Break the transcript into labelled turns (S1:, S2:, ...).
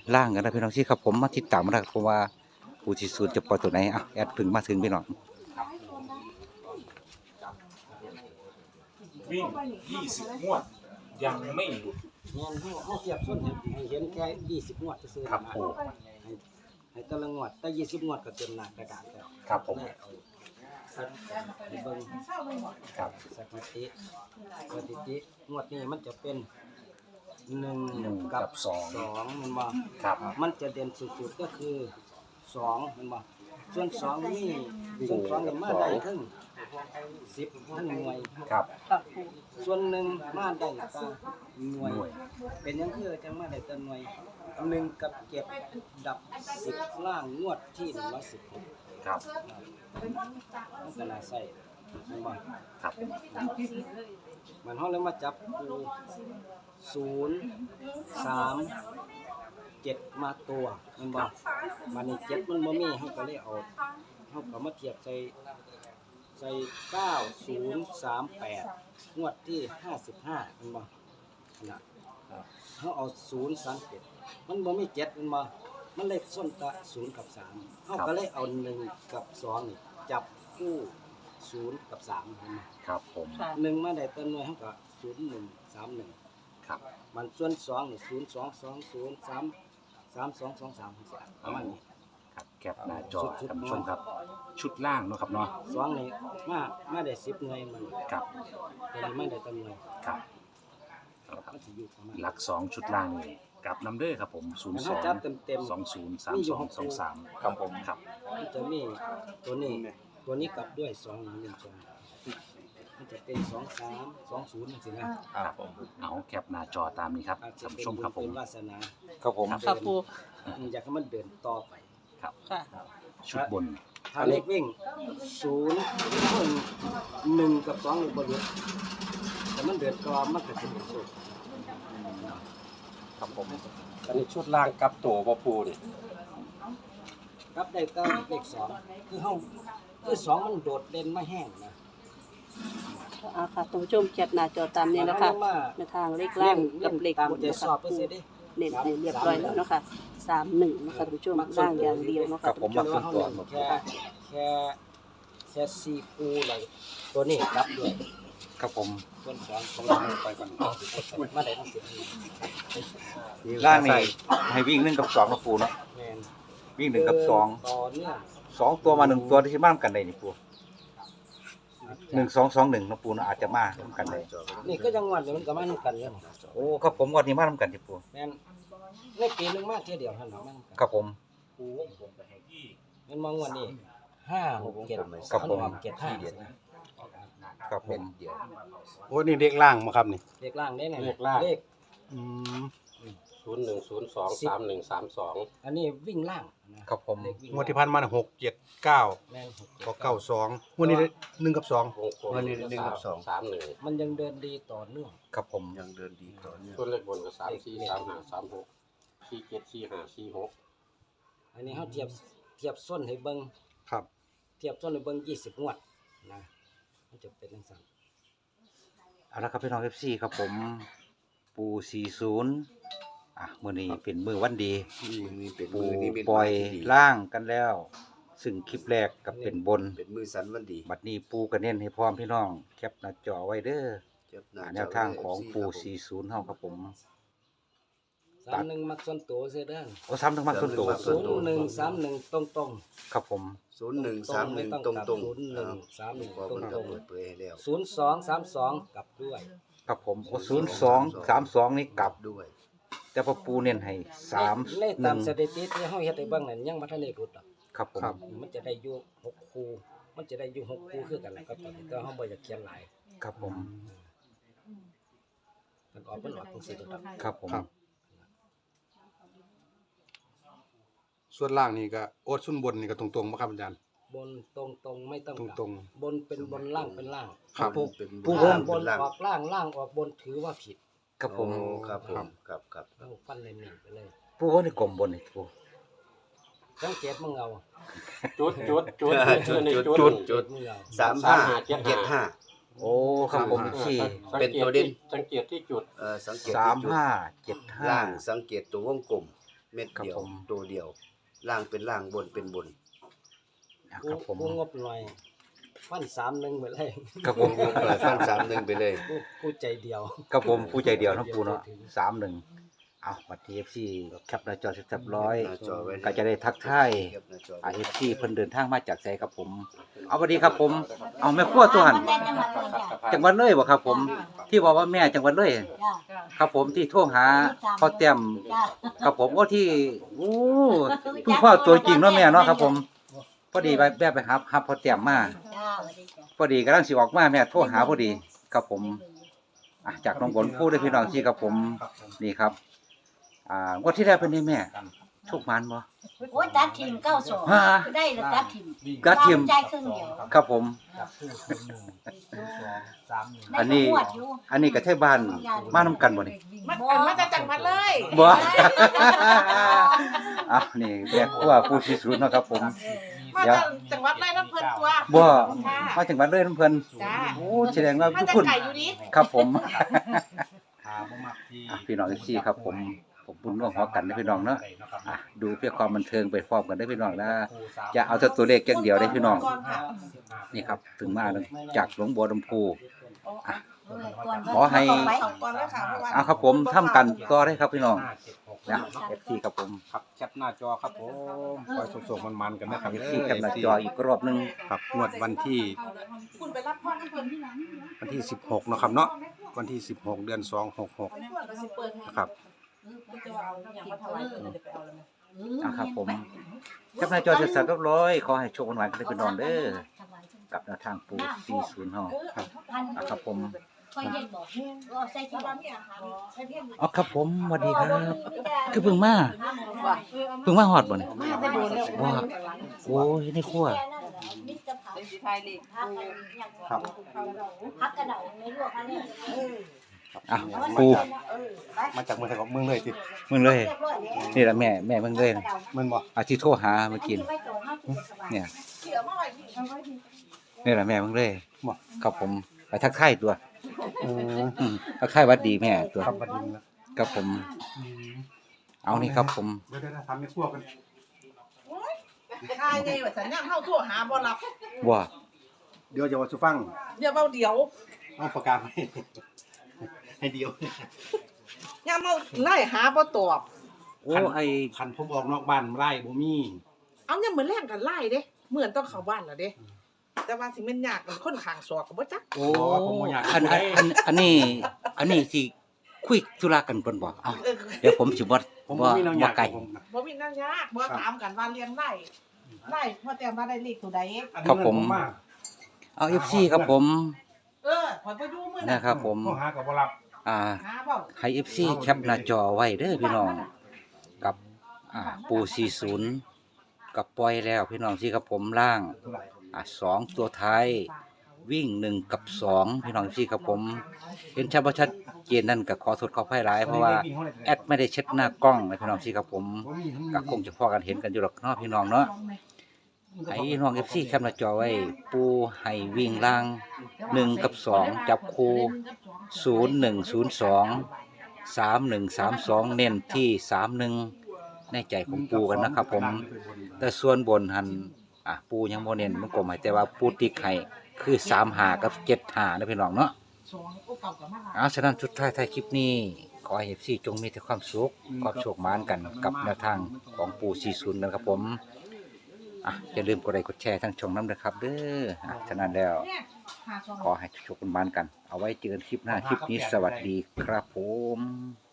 S1: ล่างกันนะพี่น้องที่ครับผมมาติดตามมาแล้วเพราะว่าปูที่สุดจะปล่อยตัวไหนอ่ะแอดถึงมาถึงพี่น้อง
S2: วิ่ง20 งวดยังไม่หลุด
S3: เงี้ยเขาเทียบส้นให้เห็นแค่20 งวดซื้อๆ
S2: ครับผม
S3: ให้แต่ละงวดแต่20 งวดก็เต็มหน้ากระดาษแล้ว
S2: ครับผม
S3: ให้เบิ่ง
S2: ครับ
S3: สถิติงวดนี้มันจะเป็น1กับ2มันบ่
S2: ครับ
S3: มันจะเด่นสุดๆก็คือ2มันบ่ส่วน2นี่ส่วน2นี่มาได้ถึง10ทั้งหน่วย
S2: ครับ
S3: ส่วน1มาได้ก็หน่วยเป็นหยังคือจังมาได้แต่หน่วย1กับ7ดับ10ล่างงวดที่116
S2: ครับ
S3: มันก็น่าใส่มันบ่
S2: ครับ
S3: มันเฮาเลยมาจับคู่0 3 7มาตัวมันบ่มันนี่7มันบ่มีเฮาก็เลยเอาเฮาก็มาเทียบใส่9038งวดที่55มันบ่น่ะเฮาเอา037มันบ่มี7มันบ่มันเลขส้นตะ0กับ3เฮาก็เลยเอา1กับ2นี่จับคู่0กับ3มัน
S2: ครับผม
S3: 1มาได้ตัวหน่วยเฮาก็0131
S2: ครับ
S3: มันส่วน2นี่0220332223ประมาณนี้
S2: ครับแคปหน้าจอท่านผู้ชมครับ ชุดล่างเนาะครับเนาะ
S3: 2นี่มาได้10หน่วยมัน
S2: ครับ
S3: ตัวนี้มาได้ตัวหน่วย
S2: ครับ
S3: มันสิอยู่ประมาณ
S2: หลัก2ชุดล่างนี่กลับนำเด้อครับผม
S3: มันเฮาจับเต็ม
S2: 023223ครับผมครับ
S3: มันจะมีตัวนี้กลับด้วย2 1 1 2มันจะเป็น23 20จังซี่นะครับ
S2: ผมเอาแคปหน้าจอตามนี้ครับ
S3: อาจจะ
S2: ท่าน
S3: เป็น
S2: ผู้ชมครับผม
S3: เป็นวาสนา
S1: ครับผม
S4: ค่ะปู
S3: อยากให้มันเดินต่อไป
S2: ครับ
S4: ค่ะ
S2: ชุดบน
S3: ถ้าเลขวิ่ง1กับ2นี่บ่หลุดแต่มันเดินต่อมันก็สิเป็นสุด
S5: ครับผมอันนี้ชุดล่างกับตัวบ่ปูนี่
S3: ครับได้ก็เลข2คือเฮาคือ2มันโดดเด่นมาแห้งนะ
S4: ค่ะท่านผู้ชมแคปหน้าจอตามนี้นะคะในทางเลขล่างกับเลข
S3: ตาม
S4: บน
S3: ใจ
S4: นะ
S3: ส
S4: คะ
S3: อบไป
S4: ปู
S3: เสียดิ
S4: เน้นให้เรียบร้อยแล้วเนาะค่ะ31นะคะท่านผู้ชมล่างอย่างเดียวเนาะ
S1: ครั
S4: ค่ะ
S1: บผม
S4: ท่าน
S1: มา
S4: ผู้ช
S1: ส่วน
S4: ม
S1: ตัว
S3: แค่4คู่เลยตัวนี้กลับด้วย
S1: ครับผม
S3: ส่วน2ของเราไปก่อนมาได้ทั้ง10
S1: ล่างนี่ให้วิ่ง1กับ2นะปูเนาะ
S3: แม่น
S1: วิ่ง1กับ2
S3: ต่อเนื่อง
S1: 2ตัวมา1ตัวที่บ้านกันได้นี่ปู1221นะปูเนาะอาจจะมาทำกันได้
S3: นี่ก็จังหวัดเดี๋ยวมันก็มานํกันอยู่นี่
S1: โอ้ครับผมวันนี้มาทำกันที่ปู
S3: แม่นในปีหนึงมาเที่ยวเดียวเท่านั้นมานํกัน
S1: ครับผม
S3: มันมองวันนี้5 6 7
S1: ครับผม
S3: 7 5
S1: ครับผม
S5: โอ้นี่เด็กล่างมาครับนี่
S3: เลขล่างได้ไหน
S5: เลขล่าง
S3: เลข
S5: อืม01023132
S3: อันนี้วิ่งล่างนะครับ
S1: ผม
S3: เลขวิ่ง
S5: งวดที่ผ่านมา6 7 9
S3: แม่น
S5: ก็92งวดนี้1กับ2
S6: วงกลม31
S3: มันยังเดินดีต่อเนื่อง
S1: ครับผม
S6: ยังเดินดีต่อเนื่อง
S5: ส่วนเลขบนก็3 4 3 5 3 6 4 7 4 5 4 6
S3: อันนี้เฮาเทียบส้นให้เบิ่ง
S5: ครับ
S3: เทียบส้นให้เบิ่ง20งวดนะมันจะเป็นจังซั่น
S1: เอาละครับพี่น้อง FC ครับผมปู40มื้อนี้เป็นมื้อวันดี
S6: นี่เป็น
S1: ปู
S6: มือนี่เป็น
S1: ปล่อย
S6: ที่ดี
S1: ล่างกันแล้ว ซึ่งคลิปแรกกับเป็นบน
S6: เป็นมือสันวันดี
S1: บัดนี้ปูก็เน้นให้พร้อมพี่น้องแคปหน้าจอไว้เด้อ
S6: เจ็บหน้า
S1: แนวทางของปู40เฮาครับผม
S3: 31มักส่วนตัวเสียเด้อ
S1: โอ้ซ้ำทั้งมักต้นโต
S3: 0131ตรงๆ
S1: ครับผม
S6: 0131ตรงตรง
S3: 0131
S6: พอมันก็เปิดเผยให้แล้ว
S3: 0232กลับด้วย
S1: ครับผมโอ้0232นี่กลับ
S6: ด้วย
S1: แต่พอปูเน้นให้
S3: ในตามส
S1: 31
S3: ถิติที่เฮาเฮ็ดให้เบิ่งนั่นยังบ่ทันได้รุดดอก
S1: ครับผม
S3: มันจะได้อยู่6คู่มันจะได้อยู่6คู่คือกันแหละครับตอนนี้แต่เฮาบ่อยากเขียนหลาย
S1: ครับผม
S3: มันออกจังซี่ดอก
S1: ครับผม
S5: ครับ ส่วนล่างนี่ก็โอ้ส่วนบนนี่ก็ตรงๆบ่ครับอาจารย์
S3: บนตรงๆไม่ต้องกลับ
S5: ตรง
S3: บนเป็นบนล่างเป็นล่าง
S5: ครับ
S3: ผู้
S6: เป็น
S1: ผู้
S3: ล่างบ
S6: เป็น นล่าง
S3: ออกล่างล่างออกบนถือว่าผิด
S1: ครับผม
S6: โอ้ครับผมครับครับ
S3: เอาฟันเลยหนึ่งไปเลย
S1: ปูว่านี่กลมบนนี่ปู
S3: สังเกตมึงเอา
S5: จุดจุด
S6: จุด
S3: มึงเอา
S6: 3575
S1: โอ้ครับผมที่
S6: เป็นตัวเด่น
S5: สังเกตที่จุด
S6: สังเกตที่จุด
S1: 3575
S6: ล่างสังเกตตัววงกลมเม็ด
S1: ครับ
S6: เดียว
S1: ผม
S6: ตัวเดียวล่างเป็นล่างบนเป็นบน
S1: อ่ะ
S3: กู
S1: ครับผม
S3: กูงบหน่อยฟัน31ไปเลย
S1: ครับผม
S6: ฟัน3-1ไปเลย
S3: กูใจเดียว
S1: ครับผมผู้ใจเดียวเนาะปูเนาะ31เอาบัตร TFC แคปหน้าจอเสร็จร้อย
S6: หน้าจอไว้
S1: ก็จะได้ทักทาย
S6: แคปหน้าจอ
S1: TFC เพิ่นเดินทางมาจากไสครับผม เอาสวัสดีครับผม เอาแม่ครัวตัวหันจังหวัดเลยบ่ครับผม ที่บอกว่าแม่จังหวัดเลย ครับผมที่โทรหาพ่อแต้มครับผมว่าที่โอ้คุณพ่อตัวจริงเนาะแม่เนาะครับผมพอดีแบบไปหาพ่อแต้มมาพอดีกำลังสิออกมาแม่โทรหาพอดีครับผมอ่ะจากน้องบนพูดได้พี่น้องที่ครับผมนี่ครับวันที่แล้วเป็นได้แม่โชคมันบ่
S7: โอ้ยตัดทิม92
S1: ฮะ
S7: ได้แล้วตัดทิม
S1: ตัดทิม
S7: ใจครึ่งเดียว
S1: ครับผม อันนี้
S7: ได้ก็งวดอยู่
S1: อันนี้ก็ใช่บ้านมานํกันบ่นี่
S8: มาจากจังหวัดเลย
S1: บ่ อ่ะนี่แม่ครัวผู้สิสุดเนาะครับผม
S8: มา
S1: เดี๋ยว
S8: จากจังหวัดไรน้ำเพลินตัว
S1: บ่มาจังหวัดเลยน้ำเพิ่น
S8: จ้า
S1: โอ้แสดงว่า
S8: มา
S1: ทุก
S8: จาก
S1: คน
S8: ไก่อยู่นี่
S1: ครับผม
S5: หาบ่มักที่
S1: พี่น้องที่ครับผมบุญร่วมหัวกันนะพี่น้องเนาะดูเพื่อความบันเทิงไปพร้อมกันได้พี่น้องนะจะเอาแต่ตัวเลขอย่างเดียวได้พี่น้อง
S8: ก่อนค่ะ
S1: นี่ครับถึงมาจากหลวงบัวลำพู
S7: ก่อน
S1: ขอให้
S8: ก่อนเลยค่ะเพราะว่า
S1: เอาครับผมทำกันต่อได้ครับพี่น้องนะ FC ครับผม
S5: ครับแคปหน้าจอครับผมคอยส่งๆมันๆกันนะครับ
S1: FC แคปหน้าจออีกรอบหนึง
S5: ครับงวดวันที่
S8: คุณไปรับพ่อน้ำเพลินที่ไหน
S5: วันที่16เนาะครับเนาะวันที่16เดือน266
S8: เพื่อนก็สิเปิดให้
S5: นะครับ
S8: จะเอาอย่างมาถวายเดี๋ยวไปเอาเลย
S1: เอาครับผมแคปหน้าจอเสร็จสับเรียบร้อยขอให้โชคหวานๆกันได้พี่น้องเด้อกับแนวทางปู40เฮาเอาครับผม
S7: ค่อยเย็นบอกว่าใส่ที่บ้านเนี่ยค่ะใส่เพียง
S1: อ๋อครับผมสวัสดีครับคือเพิ่งมาฮอดบ่เนี่ย
S8: มาได้โดนแล้ว
S1: ว่าโอ้ยในครัว
S7: มิตรภาพ
S8: สีไทยเลย
S1: ครับ
S7: พักกระเดาในลวกอันนี้
S1: อ่ะปู
S5: มาจากเมืองไทยของเมืองเลยสิ
S1: มึงเลย นี่ละแม่มึงเลยนะ
S5: มันบ่
S1: อาที่โทรหาเมื่อกี้เนี่ย
S8: เกี่ยวมาไว้ที่เอาไว้ที่
S1: นี่ละแม่มึงเลยครับผมไปทักทายตัว
S5: อืม
S1: ทักทายหวัดดีแม่ตัว
S5: ครับบัดนี้นะครับ
S1: ผม เอานี่ครับผม
S5: เดี๋ยวๆทำให้พวกกัน
S8: ทายไงว่าสัญญาณเข้าทั่วหาบ่รับ
S1: ว่า
S5: เดี๋ยวจะว่าสิฟัง
S8: อย่าเบาเดี๋ยว
S5: เอาประกาศให้เดียว
S8: อย่าเมาไล่หาบ่ตอบ
S1: โอ้ไอ
S5: คันผมออกนอกบ้านไร่บ่มี
S8: เอาเนี่ยเหมือนแรงกันไล่เด้เหมือนต้องเข้าบ้านแล้วเด้แต่ว่าสิแม่นยากกันคนข้างศอกก็บ่จัก
S1: โอ้อันนี้สิคุยธุระกันเพิ่นบ่เอา
S8: เออ
S1: เดี๋ยวผมสิบ่
S5: ผมบ่มีแนวอยาก
S1: ไกล
S5: ผม
S8: บ่มีนั่นยากบ่ถามกันว่าเรียนไล่พ่อแต่ว่าได้เลขตัวใด
S1: ครับผม เอา FC ครับผม
S8: ขอยบ่อยู่มื้อ
S1: นะ
S8: นั้น
S1: ครับผม
S5: โทรหาก็บ่รับ
S1: อ่า
S8: หาเว้า
S1: ให้ FC แคปหน้าจอไว้เด้อพี่น้องกับปู40กับปล่อยแล้วพี่น้องที่ครับผมล่าง2ตัวท้ายวิ่ง1กับ2พี่น้องที่ครับผมเห็นชัดบ่ชัดเจนนั่นก็ขอโทษขออภัยหลายเพราะว่าแอดไม่ได้เช็ดหน้ากล้องนะพี่น้องที่ครับผมก็คงจะพอกันเห็นกันอยู่หรอกเนาะพี่น้องเนาะให้น้อง FC แคปหน้าจอไว้ปูให้วิ่งล่าง1กับ2จับคู่0102 3132เน้นที่31ในใจของปูกันนะครับผมแต่ส่วนบนหันปูยังบ่เน้นมันกลมให้แต่ว่าปูติ๊กให้คือ35กับ75นะพี่น้องเนาะฉะนั้นสุดท้ายท้ายคลิปนี้ขอให้ FC จงมีแต่ความสุขความโชคหมานกันกับแนวทางของปู40นะครับผมอย่าลืมกดไลค์กดแชร์ทั้งช่องน้ำนะครับเด้อฉะนั้นแล้วขอให้โชคหมานกันเอาไว้เจอกันคลิปหน้าคลิปนี้สวัสดีครับผม